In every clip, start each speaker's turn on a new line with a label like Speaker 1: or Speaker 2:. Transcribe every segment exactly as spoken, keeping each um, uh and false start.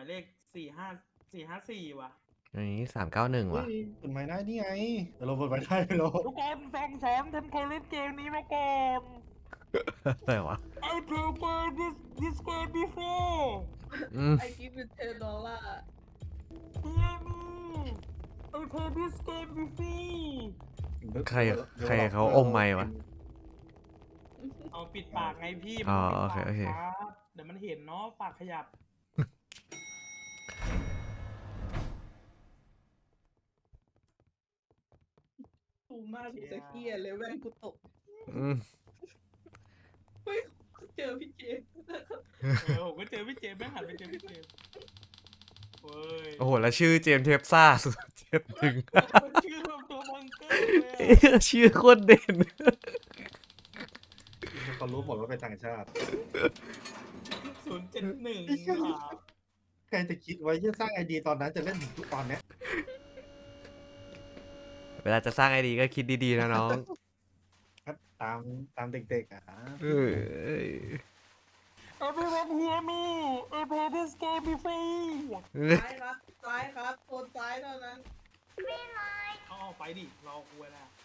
Speaker 1: ายเลขสี่ห้าสี่ห้าสี่ว่ะ
Speaker 2: อันนี้สามเก้าหนึ่งว่ะ
Speaker 3: เปิดไม้ได้นี่ไงแต่เราเปิดไม้ได้ไม่รู้
Speaker 1: ทุกคนฟังสอนทำเคยเล่นเกมนี้มาก่อน
Speaker 2: อะไรวะ
Speaker 1: I played this this game before
Speaker 2: อืม
Speaker 4: ไอกิฟต์เป็นเทนดอลลาร์
Speaker 1: Hear me I played this game before
Speaker 2: ใครใครเขาอมไมค์วะ
Speaker 1: เอาปิดปากไงพี่
Speaker 2: อ๋อ
Speaker 1: มัน
Speaker 2: โอ
Speaker 1: ปิด
Speaker 2: เค
Speaker 1: ปาก
Speaker 2: โอเค
Speaker 1: ครับเดี๋ยวมันเห็นเนาะปากขยับ
Speaker 4: ตูมากกูจะเครียดเลยแว่นกูตก
Speaker 2: อืม
Speaker 4: เฮ้ยเจอพี่เจมส์
Speaker 1: เออผมก็เจอพี่เจมส์แม่งหันไปเจอพี่เจมส์เว้ย
Speaker 2: โอ้โห แล้วชื่อเจมส์เทปซ่าสุดเจ็บถึง
Speaker 1: ชื่อแบบตัวบังเกอร์เลยอะ
Speaker 2: ชื่อโคตรเด่น
Speaker 3: เขารู้หมดว่าเป็นต่างชาติ
Speaker 1: ศูนย์เจ็ดหนึ่ง
Speaker 3: ใครจะคิดไว้จะสร้างไอดีตอนนั้นจะเล่นถึงทุกตอนเนี้ย
Speaker 2: เวลาจะสร้างไอดีก็คิดดีๆนะน้อง
Speaker 3: ครับตามตามเด็กๆอ่ะ
Speaker 2: เออ
Speaker 1: Everyone hear me I played this game before
Speaker 4: ซ้ายครับซ้ายครับโซนซ้ายเท่านั้น
Speaker 1: เอาออกไปดิรอกูไว้แล้ว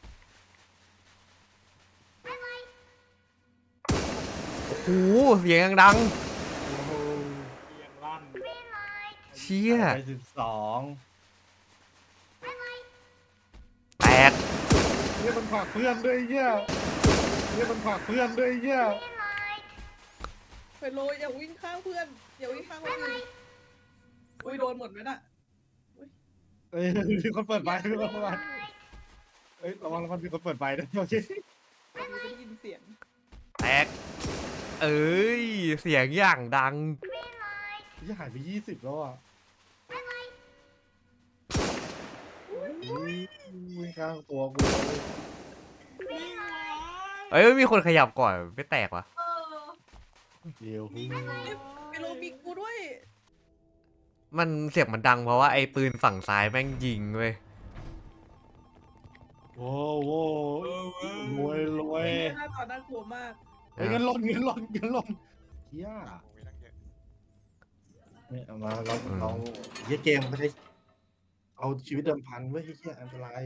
Speaker 2: โอ้โหเสียงยังดัง
Speaker 3: โอ้โห
Speaker 1: เสียงลั่น
Speaker 2: เชี่ย
Speaker 3: ไปสิบสอง
Speaker 2: แตก
Speaker 3: เนี่ยมันผลักเพื่อนด้วยไอ้เหี้ยเนี่ยมันผลักเพื่อนด้วยไอ้เหี้ย
Speaker 4: ไปโรยอย่าวิ่งข้างเพื่อนอย่าวิ่งข้างคนอื่นอุ้ยโดนหมดไหมน่ะ
Speaker 3: เอ้ยมีคนเปิดไฟมีคนเปิดไฟเอ้ยระวังระวังมีคนเปิดไฟด้วยโอเค
Speaker 4: ไม่ได้ยินเสียง
Speaker 2: แตก เอ้ย เสียงอย่างดัง
Speaker 3: ยี่หายไปยี่สิบแล้วอ่ะอุ้ยวิ่งข้างตัวกูเลย
Speaker 1: วิ่งไว้
Speaker 2: เอ้ยไม่มีคนขยับก่อนไม่แตกวะ
Speaker 4: เออ
Speaker 3: เดี๋ยว
Speaker 1: วิ่งไว้
Speaker 4: ไปโรยมีกูด้วย
Speaker 2: มันเสียงมันดังเพราะว่าไอ้ปืนฝั่งซ้ายแม่งยิงเว้ย
Speaker 3: โว้โว้
Speaker 1: เออเว้ย
Speaker 3: รวยรวย
Speaker 4: หน้าตาน่ากลัวมาก
Speaker 3: เฮ้ยเงินหล่นเงินหล่นเงินหล่นเฮีย
Speaker 5: มีตั้งเยอะ
Speaker 3: เนี่ยเอามาเราเราเฮียเกมไม่ใช่เอาชีวิตเดิมพันไว้เฮียอันตราย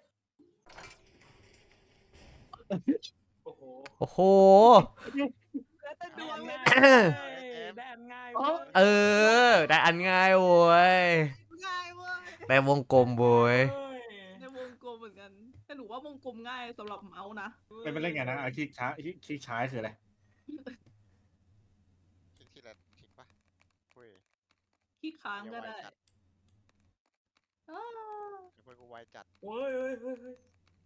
Speaker 1: โอ้โห
Speaker 2: โอ้โห
Speaker 4: แล้วแต่ดวงเลย
Speaker 1: ได้อันง่ายเว้ย
Speaker 2: เออ ได้อันง่ายโว้ย
Speaker 4: ง่ายเว้ย
Speaker 2: ได้วงกลมโว้ย
Speaker 1: เฮ้ย
Speaker 4: ในวงกลมเหมือนกันแต่หนูว่าวงกลมง่ายสำหรับเมาส์นะ
Speaker 3: ไม่เป็นไรไงนะเอาคลิกช้าคลิกคลิกช้าคืออะไร
Speaker 5: คลิกที่ละคลิกปะเฮ้ย
Speaker 4: ขี้ค้างก็ได้
Speaker 5: เดี๋ยวไวจัด
Speaker 4: อ้าว
Speaker 5: เดี๋ยวเพื่อนกูไวจัด
Speaker 1: เฮ้ยเฮ้ยเฮ้ยเฮ้ย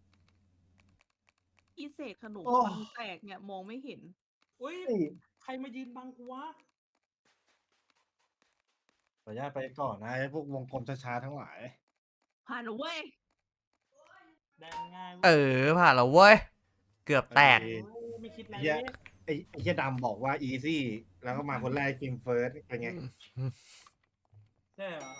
Speaker 4: อีเศษขนม
Speaker 3: โอ้
Speaker 4: ปังแตกเนี่ยมองไม่เห็น
Speaker 1: เฮ้ยใครมายืนบังกูวะ
Speaker 3: ขออนุญาตไปก่อนนะไอ้พวกวงกลมช้าๆทั้งหลาย
Speaker 4: ผ่านแล้วเว้ย
Speaker 1: ได้อันง่ายว้ย
Speaker 2: เออ ผ่านแล้วเว้ย เกือบแตก
Speaker 1: โอ้ยไม่คิดอะไร
Speaker 3: เหี้
Speaker 1: เลย ย
Speaker 3: ไอ้ไอ้เฮียดำบอกว่าอีซี่แล้วก็มาคนแรกกิมเฟิร์สเป็นไง
Speaker 1: ใช่เหรอ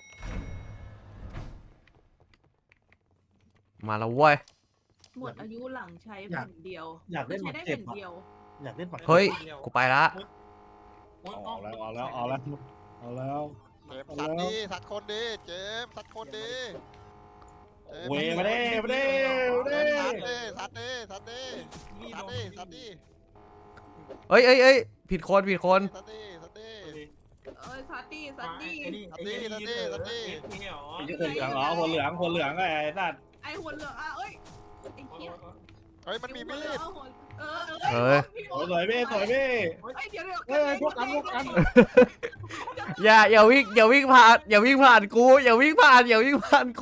Speaker 2: มาแล้วเว้ย
Speaker 4: หมดอายุหลังใช้แผ่นเดียว
Speaker 3: อยากเล่นห
Speaker 4: ใช้
Speaker 3: มาก
Speaker 4: ได้
Speaker 3: เจ็บ
Speaker 4: แผ่น
Speaker 3: อะ
Speaker 4: เดียว
Speaker 3: อยากเล่นหมาก
Speaker 2: เฮ้ย
Speaker 1: ดีว
Speaker 2: กูไปละ
Speaker 1: โอ้ย
Speaker 3: เอาแล้วเอาแล้วเอาแล้วเอาแล้ว
Speaker 5: เจมส์สัตว์ดีสัตว์คนดีเจมส์สัตว์คนดีจส์
Speaker 3: เวมาเด้มาเด้มา
Speaker 5: เจ
Speaker 3: เด้
Speaker 5: มส์สัตว์ดีสัตว์ดีสัตว์ดี
Speaker 1: นี่
Speaker 5: สัตว์ดีสัตว์ดี
Speaker 2: เอ้ยเอ้ยเอ้ยผิดคนผิดคน
Speaker 5: สัตว์ดีสัตว์ดี
Speaker 4: เอ้ยซัดดี้ซัดดี้
Speaker 1: ไอ้นี่ไอ้นี่
Speaker 5: สัตว์ดีสัตว์ดี
Speaker 1: ไอ้นี่เหรอ
Speaker 3: ไอ้เหี้ยคนเหลืองอ๋อคนเหลืองคนเหลืองไอ้สัตว์
Speaker 4: ไอหัวเหลืองอ่ะเอ้ยไอ้เหี้ย
Speaker 5: เฮ้ยมันมีมี
Speaker 4: หัวเหลื
Speaker 5: ด
Speaker 4: องเอาหัวเออ
Speaker 2: เอ
Speaker 4: เอ
Speaker 2: อ
Speaker 4: อพี่
Speaker 3: โอ้ยสวยพี่สวยพี่
Speaker 4: ไอยเดี๋ยวเดี๋ยว
Speaker 3: เฮ้ยพวกกันพวกกัน
Speaker 2: อย่าอย่าวิ่งอย่าวิ่งผ่านอย่าวิ่งผ่านกู อย่าวิ่งผ่านอย่าวิ่งผ่านกู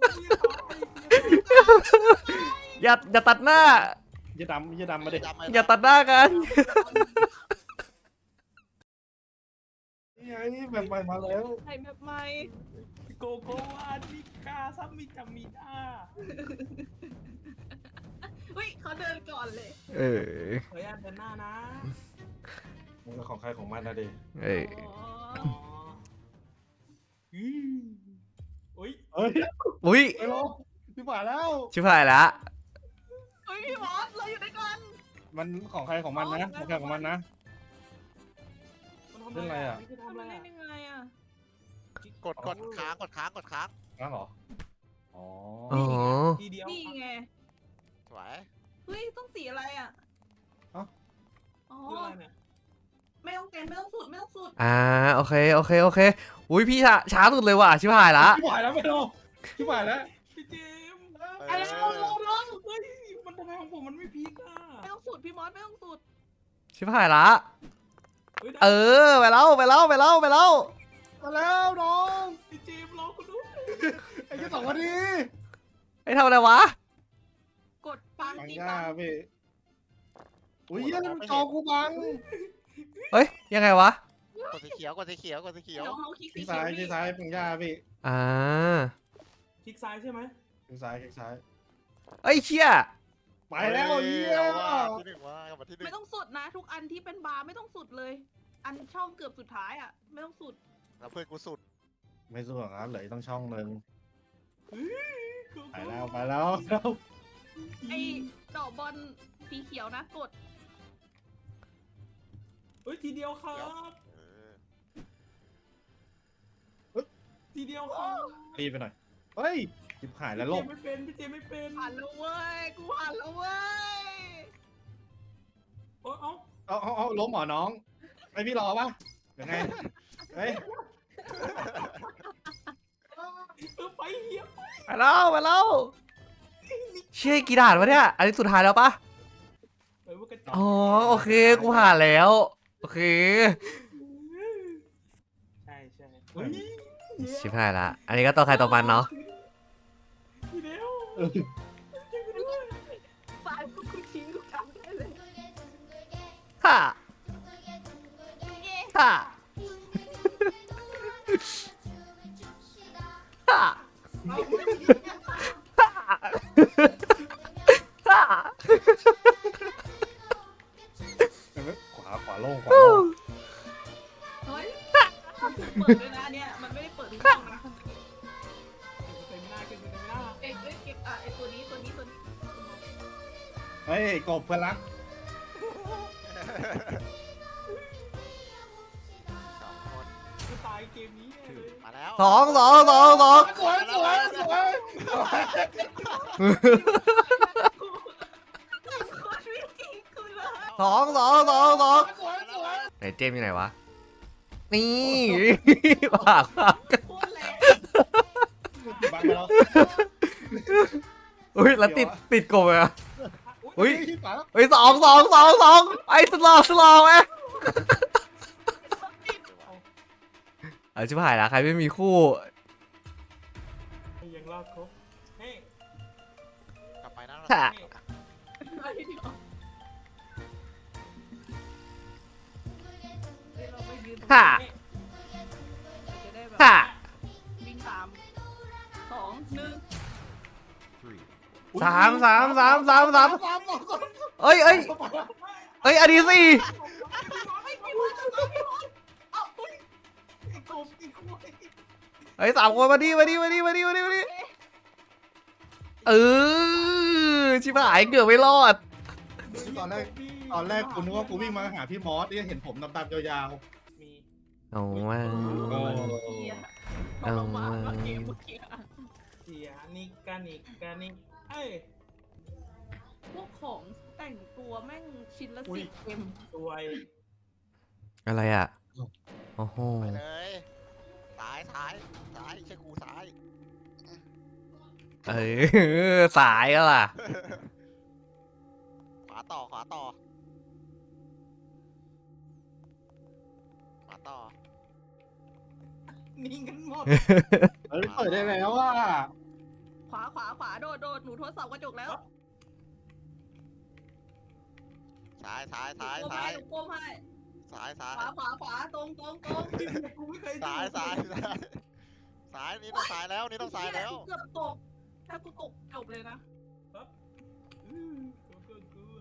Speaker 2: อย่าอย่าตัดหน้า
Speaker 3: อย่าดำอย่าดำมาดิ
Speaker 2: อย่าตัดหน้ากัน
Speaker 3: นี่ไงแบบใหม่มาแล้ว
Speaker 4: ใครแบบใหม่
Speaker 1: โกโกวานิกาซัมมิจามิดา
Speaker 4: เฮ้ยเขาเดินก่อนเลย
Speaker 2: เออ
Speaker 1: ขออนุญาตเดินหน้านะ
Speaker 3: มันก็ของใครของมันนะดิ
Speaker 2: เออ
Speaker 4: อ๋อ
Speaker 1: อ๋ออืมอุ้ย
Speaker 3: เฮ้ย
Speaker 2: อุ้ย
Speaker 3: ไปลงพี่ฝ่าแล้ว
Speaker 2: ชิบหายละ
Speaker 4: เฮ้ยพี่บอสเราอยู่ด้วยกัน
Speaker 3: มันของใครของมันนะของใครของมันนะ
Speaker 1: มันทำ
Speaker 3: เล่นอะไรอ่ะ
Speaker 1: นี่คือทำ
Speaker 4: ทำ
Speaker 1: อะไร
Speaker 4: ไมเล่
Speaker 1: อะ
Speaker 4: นยังไงอ่ะ
Speaker 5: กดกดค้างกดค้างกดค้าง
Speaker 3: นั่นเหรออ๋อ
Speaker 2: อ๋อ
Speaker 1: ทีเดียว
Speaker 4: นี่ไง
Speaker 5: สวย
Speaker 4: เฮ้ยต้องสีอะไรอ่ะอ๋อ
Speaker 1: คืออะไรเนี่ย
Speaker 4: ไม่ต้องเต็มไม่ต้องสุดไม่ต้องสุด
Speaker 2: อ่าโอเคโอเคโอเคอุ้ยพี่ช้าช้าสุดเลยว่ะชิบหายละ
Speaker 3: ชิบหายแล้วไม่รอชิบหายแล้ว
Speaker 1: พี่เจมส์
Speaker 5: เอ
Speaker 4: ไอ้
Speaker 5: อ
Speaker 4: เราเราเรา
Speaker 1: เฮ้ยมันทำไมของผมมันไม่พีกอ่ะ
Speaker 4: ไม่ต้องสุดพี่มอสไม่ต้องสุด
Speaker 2: ชิบหายละ
Speaker 1: ฮ้ยได้
Speaker 2: เออไปแล้วไปแล้วไปแล้วไปแล้ว
Speaker 3: มาแล้วน้อง
Speaker 1: พี่เจมส์รอคุณดู
Speaker 3: ไอ้ที่สองนาที
Speaker 2: ไอ้ทำอะไรวะ
Speaker 4: กดปัง
Speaker 3: ปัง
Speaker 4: ตี
Speaker 3: ย่า
Speaker 4: ปัง
Speaker 3: พี่อุ้ยเหี้ยังจอกูบัง
Speaker 2: เฮ้ยยังไงวะ
Speaker 5: กดสีเขียวกดสีเขียวกดสีเขียว
Speaker 4: น้องน้องคลิกสี
Speaker 3: ที่
Speaker 4: เขี
Speaker 3: ซ้า
Speaker 4: วย
Speaker 3: ที่
Speaker 4: นี่
Speaker 3: ซ้ายปังย่าพี่
Speaker 2: อ่า
Speaker 1: คลิกซ้ายใช่ไหม
Speaker 3: ที่ซ้ายที่ซ้าย
Speaker 2: เอ้ยเชี่ย
Speaker 3: ไปแล้ว
Speaker 5: ฮ้
Speaker 3: เยี่ย
Speaker 5: อาว่าที่หนึ่งว่ากลับมาที่หนึ่
Speaker 4: ไม่
Speaker 5: ง
Speaker 4: ต้องสุดนะ ทุกอันที่เป็นบาร์ไม่ต้องสุดเลย อันช่องเกือบสุดท้ายอ่ะ ไม่ต้องสุด
Speaker 5: แล้วเพื่อนกูสุด
Speaker 3: ไม่สู้หรอกครับเหลืออกต้องช่องหนึ่ง
Speaker 1: คือ
Speaker 3: ไปแล้วไปแล้วแล้ว
Speaker 4: ไอ้ดอกบอลสีเขียวนะกด
Speaker 1: เฮ้ยทีเดียวครับ
Speaker 5: เออ
Speaker 1: ทีเดียวครับ
Speaker 3: รีบไปหน่อยเฮ้ยจิบหายแล้วล
Speaker 1: พี่
Speaker 3: บ
Speaker 1: เจมส์ไม่เป็นพี่เจมส์ไม่เป็น
Speaker 4: ผ่านแล้วเว้ย กูผ่านแล้วเว้ย
Speaker 1: โอ้ยเอ้า
Speaker 3: เอาเอาเอาล้มเหรอน้องไม่พี่รอปะยังไงเฮ้ย
Speaker 1: เออไปเหี้ย
Speaker 2: ไปแล้วไปแล้วเชี่ยกี่ด่านวะเนี่ยอันนี้สุดท้ายแล้วปะ
Speaker 1: เออมันกระจอก
Speaker 2: อ๋อโอเคกูผ่านแล้วโอเค
Speaker 1: ใช่ใช่เฮ้ย
Speaker 2: ชิบหายละอันนี้ก็ตัวใครตัวมันเนาะ
Speaker 1: ทีเดียว
Speaker 4: สายพวกกูทิ้งกูจำได้เลย
Speaker 2: ฮ่า
Speaker 4: เย้
Speaker 2: ฮ่าฮ่า
Speaker 1: เอา
Speaker 2: ฮ่า
Speaker 3: ขวาขวาโล่งขวาโล่ง
Speaker 4: เฮ้ยมันถูกเปิดด้วยนะอันเนี่ย มันไม่ได้เปิดทุกช่องนะ
Speaker 1: เต็มหน้าเต็มหน้า
Speaker 4: เอ้ยเอ้ยเก็บอ่ะไอ้ตัวนี้ตัวนี้ตัวนี้
Speaker 3: เฮ้ยกบเพื่อนรัก
Speaker 5: สองคน
Speaker 1: กูตายเกมนี้เลย
Speaker 5: มาแล้ว
Speaker 2: สองสองสองสอง
Speaker 3: สวยสวยสวย
Speaker 4: โคตรไม่จริงกูเลย
Speaker 2: สองสองสองสอง
Speaker 3: สวยสวย
Speaker 2: ไหนเจมส์อยู่ไหนวะนี่ปากปาก
Speaker 4: โคตรแรง
Speaker 3: บังไปแล้ว
Speaker 2: อุ้ยแล้วติดติดกบเลยอะ
Speaker 1: อุ้ย
Speaker 2: อุ้ย
Speaker 3: ฝาแล้ว
Speaker 2: เฮ้ยสองสองสองสองไอ้สลอสลอไหมเอาชิบหายละใครไม่มีคู่
Speaker 1: ยังรอดครบเฮ้ย
Speaker 5: กลับไปนะ
Speaker 2: ค่ะ
Speaker 1: เฮ้ย
Speaker 4: ไอ้เดี๋ยวเดี๋ยวเราไปยืนตรง
Speaker 2: ค่ะ
Speaker 4: นี้จะได้แบบ
Speaker 2: ค่ะ
Speaker 4: วิ่งตามสองหนึ่ง
Speaker 2: สามสามสามสามสาม
Speaker 3: สามสองสอง
Speaker 2: เอ้ยเอ้ยเอ้ยอันนี้สี่
Speaker 4: ไม่พี่บอลพี่บอลเอ้าอุ้ย
Speaker 1: ไอ้กบไอ้กบ
Speaker 2: เอ้ยสามคนมาดิมาดิมาดิมาดิมาดิมาดิเออชิบหายเกือบไม่รอด
Speaker 3: ตอนแรกตอนแรกกูนึกว่ากูวิ่งมาหาพี่มอสเนี่ยเห็นผมดำๆยาว
Speaker 1: มี
Speaker 2: เอาว่า
Speaker 3: ๆเออ
Speaker 4: เกียร์เอาลงมาว่าเกมเมื่อกี้อะ
Speaker 1: เสียนิกกันนิกกันนิกเอ้ย
Speaker 4: พวกของแต่งตัวแม่งชิ้นละสิบเอ็ม
Speaker 1: สวย
Speaker 2: อะไรอ่ะโอ้โห
Speaker 5: ไปเลยซ้ายซ้ายซ้ายใช่กูซ้าย
Speaker 2: เออสายก็ล่ะ
Speaker 5: ขวาต่อขวาต่อขวาต่อ
Speaker 1: นิ่งกันหมด
Speaker 3: เฮ้ยเปิดได้แล้วอ่ะ
Speaker 4: ขวาขวาขวาโดดโดดหนูทดสอบกระจกแล้ว
Speaker 5: ซ้ายซ้ายซ้าย
Speaker 4: โก้
Speaker 5: ซ้า
Speaker 4: ให้
Speaker 5: ย
Speaker 4: โก้ให้
Speaker 5: ซ้ายซ้าย
Speaker 4: ขวาขวาขวาตรงตรงตรง
Speaker 1: กูไม่เคย
Speaker 5: ซ้ายซ้ายซ้ายซ้ายนี่ต้องซ้ายแล้วนี่ต้องซ้ายแล้ว
Speaker 4: เกือบตก ถ้ากูตกจบเลยนะ
Speaker 1: อืมกูก็กลัว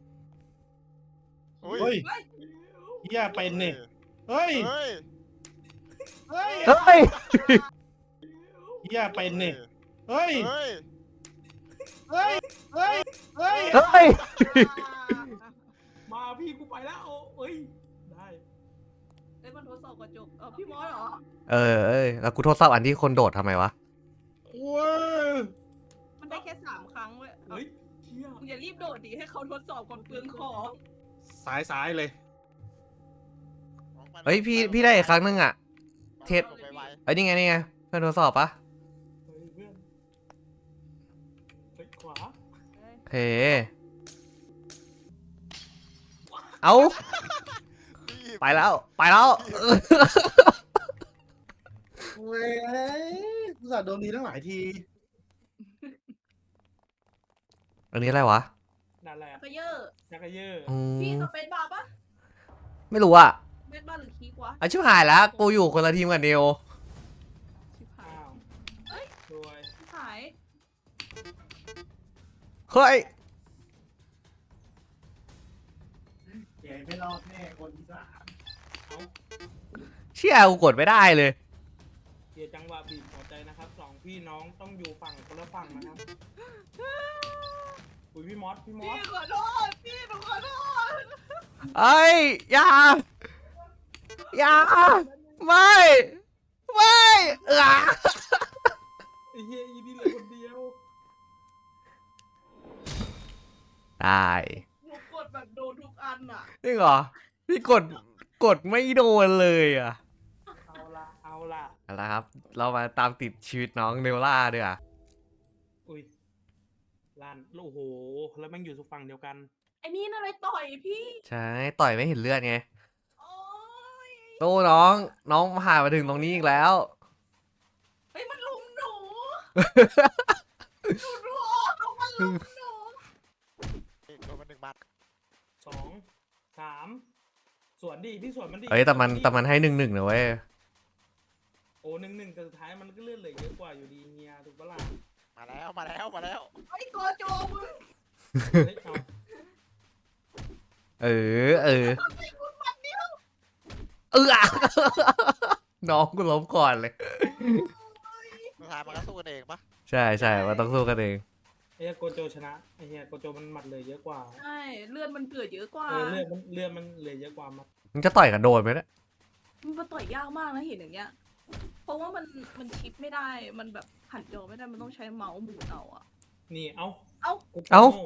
Speaker 5: อุ้ย
Speaker 3: เฮ้ย
Speaker 4: เฮ้ย
Speaker 3: เฮียเป็นนี่เฮ้ย
Speaker 5: เฮ้ย
Speaker 3: เฮ้ย
Speaker 2: เฮ้ย
Speaker 3: เฮียเป็นนี่เฮ้ย
Speaker 5: เฮ้ย
Speaker 3: เฮ้ยเฮ้ยเฮ้ย
Speaker 2: เฮ้ย
Speaker 1: มาพี่กูไปแล้วเอ้ยได้
Speaker 4: เอ้ยมันอบกระจกเออพี่มอสเหรอ
Speaker 2: เออเอ้ยแล้วกูทดสอบอันที่คนโดดทำไมวะ
Speaker 3: ว้า
Speaker 4: มันได้แค่สามครั้งเว้ยเอา
Speaker 1: เฮ้ยเชี่ย
Speaker 4: มึงอย่ารีบโดดดิให้เขาทดสอบก่อนเปลืองของ
Speaker 3: ซ้ายซ้ายเลย
Speaker 2: เฮ้ยพี่พี่ได้อีกครั้งนึงอ่ะ เทป
Speaker 5: ไปไว
Speaker 2: เอ้ยนี่ไงนี่ไงเพื่อนทดสอบปะ
Speaker 1: เฮ้ยเพื่อนเฮ้ยขวา
Speaker 2: โอเคเอา
Speaker 5: ๆรีบ
Speaker 2: ไปแล้วไปแล้ว
Speaker 3: เว้ยกูสาโดนดีตั้งหลายที
Speaker 2: อันนี้อะไรวะ
Speaker 1: นั่นแหละ
Speaker 4: กระเยอะ
Speaker 1: จักรเยอ
Speaker 2: อื
Speaker 4: พี่
Speaker 2: ม
Speaker 4: สเปซบาร์ปะ
Speaker 2: ไม่รู้อ่ะ
Speaker 4: สเปซบาร์หรือคีกวะ
Speaker 2: อาชิบหายแล้วกูอยู่คนละทีมกับเนว
Speaker 4: ชิบหา
Speaker 1: อ้า
Speaker 4: ยว
Speaker 1: รวย
Speaker 4: ชิบหาย
Speaker 2: เฮ้ย
Speaker 3: เก๋ไม่รอดแน่คนที่สาม
Speaker 1: เอา
Speaker 2: เชี่ยกูกดไม่ได้เลย
Speaker 1: เดี๋ยวจังหวะบีบหัวใจนะครับสองพี่น้องต้องอยู่ฝั่งคนละฝั่งนะครับอุ้ยพี่มอสพี่มอ
Speaker 4: พี่
Speaker 1: ส
Speaker 4: ขอโทษพี่หนูขอโทษ
Speaker 2: เอ้ยอย่าอย่าไม่ไม่เออ
Speaker 1: ไอ้เฮียอีนี่เหลือคนเดียว
Speaker 2: ได้
Speaker 4: หนูกดแบบโดนทุกอันอ่ะ
Speaker 2: จริงเหรอพี่กดกดไม่โดนเลยอ่ะ
Speaker 1: เอาละเอาละ
Speaker 2: เอาละครับ เรามาตามติดชีวิตน้องเนวล่าด้วยอ่ะ
Speaker 1: อุ้ยลานโอ้โหแล้วแม่งอยู่สุฝั่งเดียวกัน
Speaker 4: ไอ้นี่น่ะเลยต่อยพี่
Speaker 2: ใช่ต่อยไม่เห็นเลือดไง
Speaker 4: โอ้ย
Speaker 2: โตน้องน้องผ่านมาถึงตรงนี้อีกแล้ว
Speaker 4: เฮ้ยมันลุมหนูหนูรู้เขามันลุมหนู
Speaker 5: โดนมาหนึ่งบัตร
Speaker 1: สองสามสวนดิพี่สวนมันดิ
Speaker 2: เอ้ยแต่มัน
Speaker 1: สวดิ
Speaker 2: แต่มันให้หนึ่งหนึ่งนะเว้ย
Speaker 1: โอ้หนึ่งหนึ่งแต่สุดท้ายมันก็เลื่อนเหลือเยอะกว่าอยู่ดีเฮียถูกปะล่ะ
Speaker 5: มาแล้วมาแล้วมาแล้ว
Speaker 4: ไอ้โกโจมึง
Speaker 1: เฮ้ยเอา
Speaker 2: เออเออ
Speaker 4: ทำไมคุณมันเดียว
Speaker 2: เออ น้องกูล้มก่อนเลย
Speaker 5: สุดท้ายมันก็สู้กันเองปะ
Speaker 2: ใช่ใช่มันต้องสู้กันเอง
Speaker 1: ไอ้เฮียโกโจชนะไอ้เฮียโกโจมันหมัดเหลยเยอะกว่า
Speaker 4: ใช่เลือดมันเกิดเยอะกว่า
Speaker 1: เออเลือดมันเลือดมันเหลยเยอะกว่ามัด
Speaker 2: มึงจะต่อยกับโดนไหมเนี่ย
Speaker 4: มันมาต่อยยากมากนะเห็นอย่างเงี้ย เพราะว่ามันมันชิปไม่ได้ มันแบบหันจอไม่ได้ มันต้องใช้เมาส์หมุนเอาอะ
Speaker 1: นี่เอา
Speaker 4: เอ้า
Speaker 1: โกโจ
Speaker 2: เอ้า
Speaker 1: โง่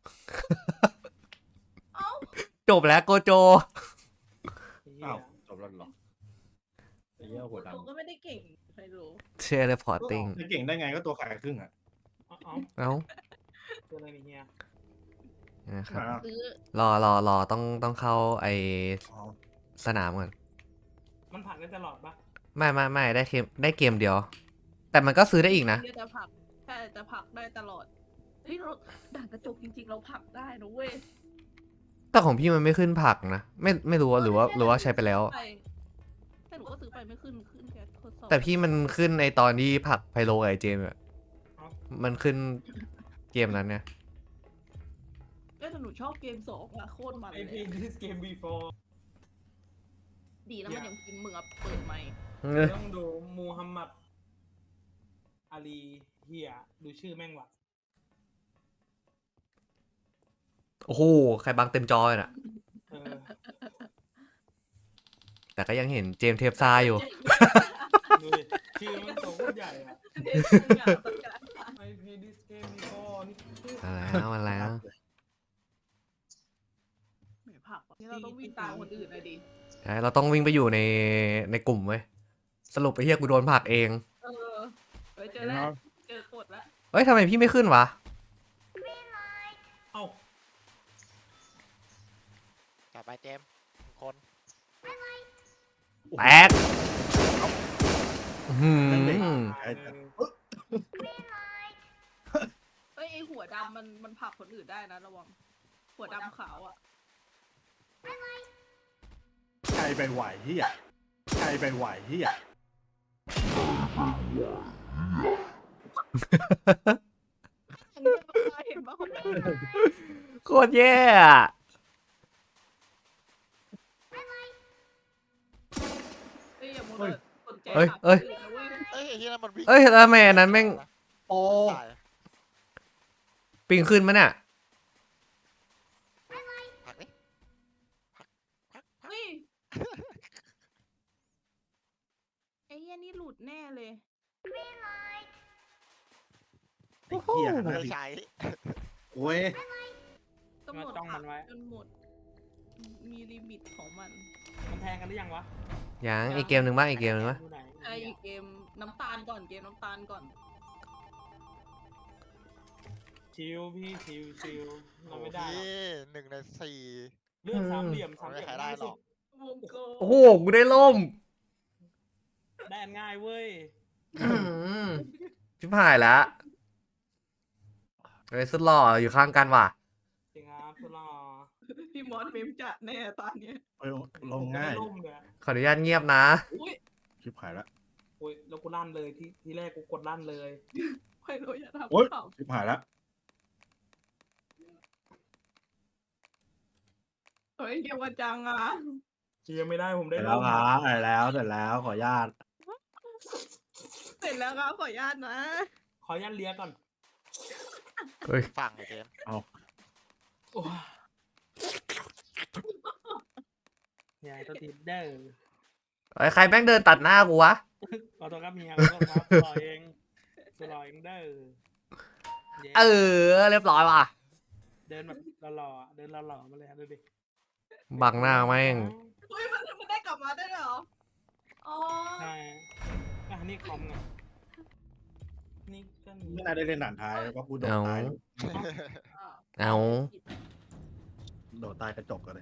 Speaker 4: เอ้า
Speaker 2: จบแล้วโกโจ
Speaker 1: ไอ้เฮี
Speaker 3: อ้าวย จบแล้วเหรอไอ้เหี้ยหัวด
Speaker 4: ตัวก็ไม่ได้เก่งใครรู้
Speaker 2: เชียร์เลยพอร์
Speaker 3: ำ
Speaker 2: ติ้ง
Speaker 3: จะเก่งได้ไงก็ตัวขายครึ่งอ่ะ
Speaker 1: เอาเอา
Speaker 2: เอ้า
Speaker 1: ตัวอะไรนี่เฮีย
Speaker 2: นะครับ
Speaker 3: อ่า
Speaker 4: ซื้อ
Speaker 2: รอรอรอต้องต้องเข้าไอ
Speaker 3: อ๋อ
Speaker 2: สนามก่อน
Speaker 1: มันผ่านได้ตลอดปะ
Speaker 2: ไม่ไม่ไม่ได้เกมได้เกมเดียว แต่มันก็ซื้อได้อีกนะ
Speaker 4: เดี๋ยวจะผลักใช่จะผลักได้ตลอด เฮ้ยเราด่านกระจกจริงๆ เราผลักได้นะเว้ย
Speaker 2: แต่ของพี่มันไม่ขึ้นผักนะ ไม่ไม่รู้ว่าหรือว่าหรือว่าใช้ไปแล้ว
Speaker 4: ไปแต่หนูก็ซื้อไปไม่ขึ้นขึ้นแค่ทดสอบ
Speaker 2: แต่พี่มันขึ้นในตอนที่ผักไพโลกับไอเจมส์อะมันขึ้นเกมนั้นเนี่ย
Speaker 4: เอ้ยแต่หนูชอบเกมสองอะโคตรมัน
Speaker 1: ไอ
Speaker 4: เล
Speaker 1: พี
Speaker 4: ย
Speaker 1: this game before
Speaker 4: ดีแล้วมันยังกินมึงอะเปิดไหมค์
Speaker 1: ต้องดูมูฮัมหมัดอาลีเฮียดูชื่อแม่งว่ะ
Speaker 2: โอ้โห ใครบังเต็มจอเลยน่ะ
Speaker 1: เออ
Speaker 2: แต่ก็ยังเห็นเจมส์เทปซาอยู่
Speaker 1: ดูดิชื่อมันโตโคตรใหญ่อะ
Speaker 4: เด็กมึงอะต้องการ
Speaker 1: ไอพี this game before นี่ชื่อ
Speaker 2: มาแล้วมาแล้ว
Speaker 4: แหมผลักอะนี่เราต้องวิ่งตามคนอื่นเลยดิ
Speaker 2: ใช่เราต้องวิ่งไปอยู่ในในกลุ่มเว้ย สรุปไปเฮียกูโดนผลักเอง
Speaker 4: เออไปเจอแล้วเจอกดแล้ว
Speaker 2: เฮ้ยทำไมพี่ไม่ขึ้นวะ
Speaker 1: เอ้า
Speaker 5: จับไปเจมส์หนึ่งคน
Speaker 2: แตกอื้อหือ
Speaker 3: ไอ้แต่
Speaker 4: เฮ้ยไอหัวดำมันมันผลักคนอื่นได้นะระวัง หัวดำขาวอ่ะ
Speaker 3: ใครไปไหวเฮียใครไปไหวเฮีย
Speaker 4: เห็นปะคนนั้น
Speaker 2: โคตรแย่อะ
Speaker 4: เฮ้ยอย่ามัวแต่สนใจ
Speaker 2: เอ้ย
Speaker 4: ผลัก
Speaker 2: เอ้ย
Speaker 4: คนอื่นนะเว้ย
Speaker 5: เอ้ยไอ้เฮียนั่นมันวิ่ง
Speaker 2: เอ้ยแล้วทำไมอันนั้นแม่ง
Speaker 3: โอ้
Speaker 5: ตาย
Speaker 2: ปิงขึ้นมั้ยเนี่ย
Speaker 5: ผลักดิผลักผลักผลัก
Speaker 4: เฮ้ยไอ้เหี้ยนี่หลุดแน่เลย
Speaker 3: ไอ้เหี้ย
Speaker 5: ไม่
Speaker 3: นะ
Speaker 5: ได้
Speaker 3: พี่
Speaker 5: ใช้
Speaker 3: โอ้ย
Speaker 4: กำหนด
Speaker 1: จ้องมันไว้
Speaker 4: จนหมด มีลิมิตของมัน
Speaker 1: มันแทงกันหรือยังวะ
Speaker 2: ยังอีกเกมหนึ่งบ้างอีกเกมหนึ่งบ้าง
Speaker 1: ดูไหน
Speaker 4: ไอ้เกมน้ำตาลก่อนเกมน้ำตาลก่อน
Speaker 1: ชิวพี่ชิวชิวเรา
Speaker 5: โอ้
Speaker 1: ไม่ได้หรอก
Speaker 5: พี่หนึ่งในสี่
Speaker 1: เรื่องสามเหลี่ยมสามเห
Speaker 5: ไม่
Speaker 1: ลี่ยม
Speaker 5: ใครได้หรอก
Speaker 4: วงกลม
Speaker 2: โอ้โหกูได้ล่ม
Speaker 1: ได้อันง่ายเว้ย
Speaker 2: อื้อหือชิบหายแล้วเฮ้ยสุดหล่ออยู่ข้างกันว่ะ
Speaker 1: จริงครับสุดหล่อ
Speaker 4: พี่มอสเมมจัดแน่ตอนเนี้ย
Speaker 3: เอ้ยลงง่าย
Speaker 1: ล่มเลย
Speaker 2: ขออนุญาตเงียบนะ
Speaker 4: อุ้ย
Speaker 3: ชิบหายละ
Speaker 1: โอ้ยแล้วกูลั่นเลยที่ที่แรกกูกดลั่นเลย
Speaker 4: ไม่รู้อย่าทำ
Speaker 3: โอ๊ย
Speaker 4: เปล่า
Speaker 3: ชิบหายละ
Speaker 4: เฮ้ยเกียววันจังอ่ะ
Speaker 1: เชียร์ไม่ได้ผม
Speaker 3: เส
Speaker 1: ได้
Speaker 3: ร็จแล้วครับเสร็จแล้วเสร็จแล้วขออนุญาต
Speaker 4: เสร็จแล้วครับขออนุญาตนะ
Speaker 1: ขอยันเลียก่อน
Speaker 2: เฮ้ย
Speaker 5: ฟังไอ้เกม
Speaker 1: โอ้ยยายตัวทีเด้อ
Speaker 2: เฮ้ยใครแม่งเดินตัดหน้ากูวะ
Speaker 1: ขอโทษครับเมียขอโทษครับสุดหล่อเองสุดหล่อเองเด้อเย้
Speaker 2: เออเรียบร้อยว่ะ
Speaker 1: เดินแบบหล่อๆเดินหล่อๆมาเลยครับดูดิ
Speaker 2: บังหน้าแม่ง
Speaker 4: เฮ้ยมันมันได้กลับมาได้ด้วยเหรอ อ๋อ
Speaker 1: ใช่อ่ะนี่คอมไงนี่ก็มี
Speaker 3: ไม่น่าได้เล่นด่านท้ายเพราะกูโดด
Speaker 2: เอา
Speaker 3: ตาย
Speaker 2: เอา
Speaker 3: โดดตายกระจกกันเลย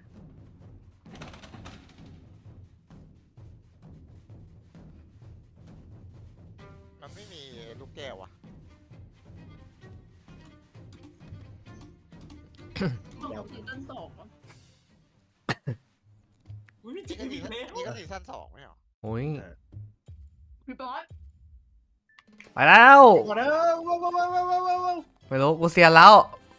Speaker 5: มันไม่มีลูกแก้วอ่ะ
Speaker 4: ของซีซั่นสองเหรอ
Speaker 1: อุ้ยจ
Speaker 5: นี่
Speaker 1: ริ
Speaker 5: ก็
Speaker 1: ง
Speaker 5: ซี
Speaker 1: อีก
Speaker 5: ซั่น
Speaker 1: แล้ว
Speaker 5: นี่ก็ซีซั่นสองไม่เหรอ
Speaker 2: โอ้ย
Speaker 4: พี่บอส
Speaker 2: ไปแล้ว
Speaker 3: มาเด้อว้าวว้าวว้าวว้าวว้าวว้าว
Speaker 2: ไม่รู้กูเซียนแล้ว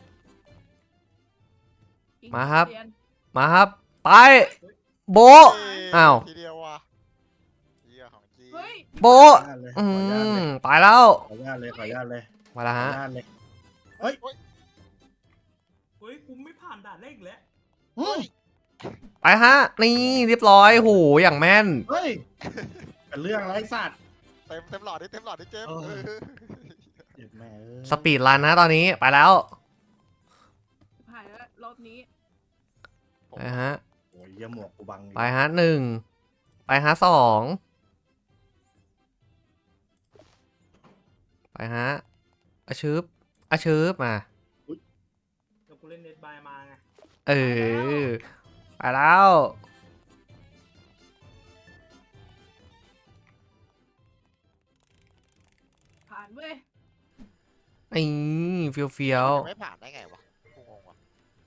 Speaker 2: มาครับ
Speaker 4: เยน
Speaker 2: มาครับ ไป โบะ
Speaker 5: เฮ้ย
Speaker 2: อ้าว
Speaker 5: ทีเดียวว่ะเยี่ยของจี
Speaker 4: เฮ้ย
Speaker 2: โบะ
Speaker 3: ขออนุญาตเลย
Speaker 2: อื
Speaker 3: ขออนุญาตเลย
Speaker 2: มไปแล้ว
Speaker 3: ขออนุญาตเลยขออนุญาตเลย
Speaker 2: มาแล้ว
Speaker 3: ขออ
Speaker 2: ฮะ
Speaker 3: นุญาตเลย
Speaker 1: เฮ้ยกูไม่ผ่านด่านแรกอีกแล้ว
Speaker 3: เฮ้ย
Speaker 2: ไปฮะ นี่เรียบร้อยโหอย่างแม่น
Speaker 3: เฮ้ยเป็นเรื่องไรสัตว์
Speaker 5: เต็มเต็มหลอดดิเต็มหลอดดิเจมส์
Speaker 3: เออ
Speaker 5: เออ
Speaker 3: เจ็บแม่เอ้ย
Speaker 2: สปีดรันนะตอนนี้ไปแล้ว
Speaker 4: ผ่านแล้วรอบนี้
Speaker 2: ไปฮะ
Speaker 3: โอ้ยเยี่ยหมวกกูบังอยู่
Speaker 2: ไปฮะหนึ่งไปฮะสองไปฮะอาชืบอาชืบมา
Speaker 1: แล้วกูเล่นเน็ตบายมาไง
Speaker 2: เออไปแล้ว
Speaker 4: ผ่านเว้ย
Speaker 2: นี่เฟียวเฟียว
Speaker 5: ไม่ผ่านได้ไงวะกูงงว่ะ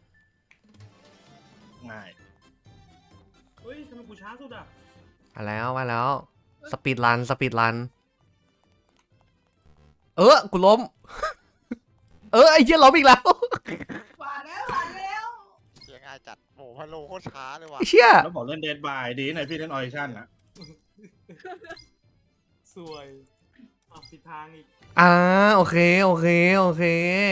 Speaker 3: ง่าย
Speaker 1: เฮ้ยทำไมกูช้าสุดอ่ะ
Speaker 2: มาแล้วมาแล้วสปีดรันสปีดรันเออกูล้ม เออไอ้เหี้ยล้มอีกแล้ว
Speaker 4: ผ่านแล้วผ่านแล้ว
Speaker 5: เสียง่ายจัดโอ้โหพะโลโคตรช้าเลยว่ะ
Speaker 2: ไอ้เชี่ย
Speaker 3: แล้วบอกเล่นเดดบายดีไหนพี่เล่นออริชั่นนะ
Speaker 1: สวยอ่ะผิดทางอีก
Speaker 2: อ่าโอเคโอเคโอเค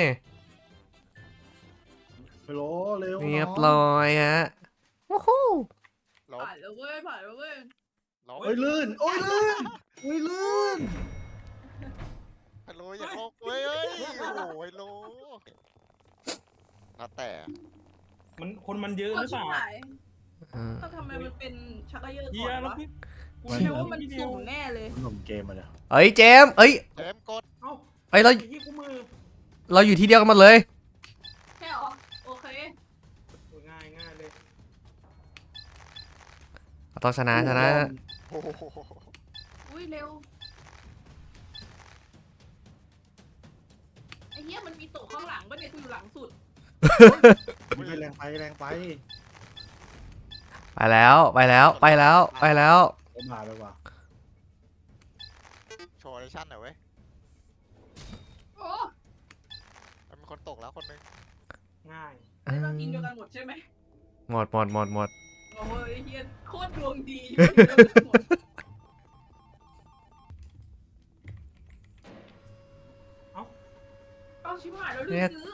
Speaker 3: ไปโลเร็ว
Speaker 2: เรียบ
Speaker 3: น้อง
Speaker 2: ร้อยฮะโอ้โห
Speaker 5: ล้ม
Speaker 4: ผ่านแล้วเว้ยผ่านแล้วเว้ย
Speaker 5: ล้ม
Speaker 3: โอ้ยลื่นโอ้ยลื่นโอ้ยลื่น
Speaker 5: พะโลอย่าโลกเว้ยเอ้ยโอ้โหไอ้โลแล้วแต่
Speaker 1: มันคนมันเยอะห
Speaker 4: เอา
Speaker 1: รือเป
Speaker 4: ชิบ
Speaker 1: ล่า
Speaker 4: หาย
Speaker 2: อืม
Speaker 4: ถ้าทำไมมันเป็นชักกระเยอะ
Speaker 1: เฮี
Speaker 4: ก่อย น
Speaker 1: แล้ว
Speaker 4: วะ
Speaker 1: พี่กู
Speaker 4: แปลว่ามันสุ่มแน่เลย
Speaker 3: หนุ่มเกมมาเลย
Speaker 2: เอ้ยเจมส์เอ้ย
Speaker 5: เจมส์กด
Speaker 1: เอ้า
Speaker 2: เอ้ยเรา
Speaker 1: ไอ้ยี่กูมือ
Speaker 2: เราอยู่ที่เดียวกันหมดเลย
Speaker 4: ใช่เหรอ โอเค
Speaker 1: โอ้ยง่ายง่ายเลย
Speaker 2: เราต้องชนะชนะ
Speaker 5: โอ้โห
Speaker 4: อุ้ยเร็ว ไอ้เหี้ยมันมีโต๊ะข้างหลังป่ะเนี่ยกูอยู่หลังสุด
Speaker 3: ไปแรงไปแรงไป
Speaker 2: ไปแล้วไปแล้วไปแล้วไปแล้ว
Speaker 3: ไปมาไปว่า
Speaker 5: โชว์ออดิชั่นหน่อยเว้ย
Speaker 4: โอ้
Speaker 5: มันมีคนตกแล้วคนนึง
Speaker 1: ง่าย
Speaker 4: ไม่ต้องทีมเดียวกันหมดใช่ไหม
Speaker 2: หมดหมดหมดหมด
Speaker 4: โอ้ยไอ้เหี้ยโคตรดวงดีอยู่ทีมเดียวกันหมด เอาชิบหายแล้วลืมซื้อ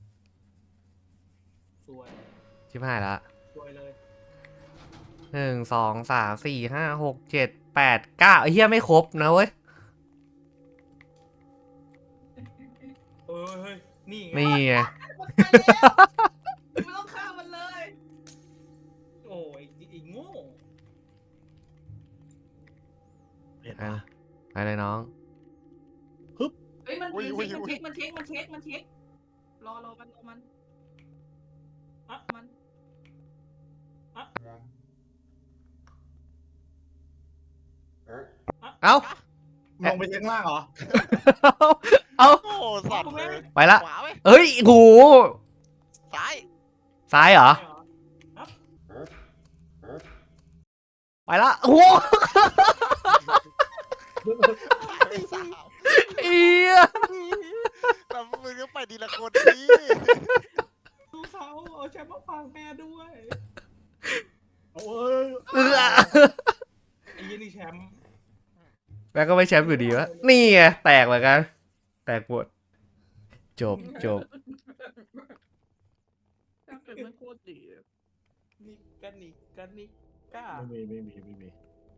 Speaker 1: สวย
Speaker 2: ชิบหายละ
Speaker 1: สวยเลย
Speaker 2: หนึ่งสองสามสี่ห้าหกเจ็ดแปดเก้าไอ้เหี้ยไม่ครบนะเว้ย
Speaker 1: เออเฮ้ยนี่ไง
Speaker 2: นี่ไง
Speaker 4: มันไปแล้วไม่ต้องฆ่ามันเลย
Speaker 1: โอ้ยไอ้โง่
Speaker 3: เห็น
Speaker 2: ไป
Speaker 3: ปะ
Speaker 2: นะไปเลยน้อง
Speaker 4: เฮ้ยมันมันเช็คมันเช็คมันเช็คมันเช็คมันเช็ครอรอมันรอมัน
Speaker 1: อะ
Speaker 4: มัน
Speaker 2: เอ้า
Speaker 3: ลงไปข้างล่างเหรอ
Speaker 2: เอ้า
Speaker 5: โอ้สัตว์เลย
Speaker 2: ไปละ
Speaker 5: ขวาไหม
Speaker 2: เฮ้ยโห
Speaker 5: ซ้าย
Speaker 2: ซ้ายเหรอ
Speaker 1: ใช่เหรอครับ
Speaker 2: ไปละโอ้โห
Speaker 5: ไอ้สาว
Speaker 2: เอีย
Speaker 5: แล้วมึงก็ไปทีละคนดิ
Speaker 1: ดูเขาเอาแชมป์มาฟังแม่ด้วย
Speaker 3: โอ้ย
Speaker 2: เอือ
Speaker 1: ไอ้ยี่นี่แชมป์
Speaker 2: แม่ก็ไม่แชมป์อยู่ดีวะนี่ไงแตกเหมือนกัน แตกหมดจบจบ
Speaker 4: ถ้าเกิดไม่โคตรดีอะ
Speaker 1: นี่กันนี่กันนี่กล้า
Speaker 3: ไม่มีไม่มีไม่มี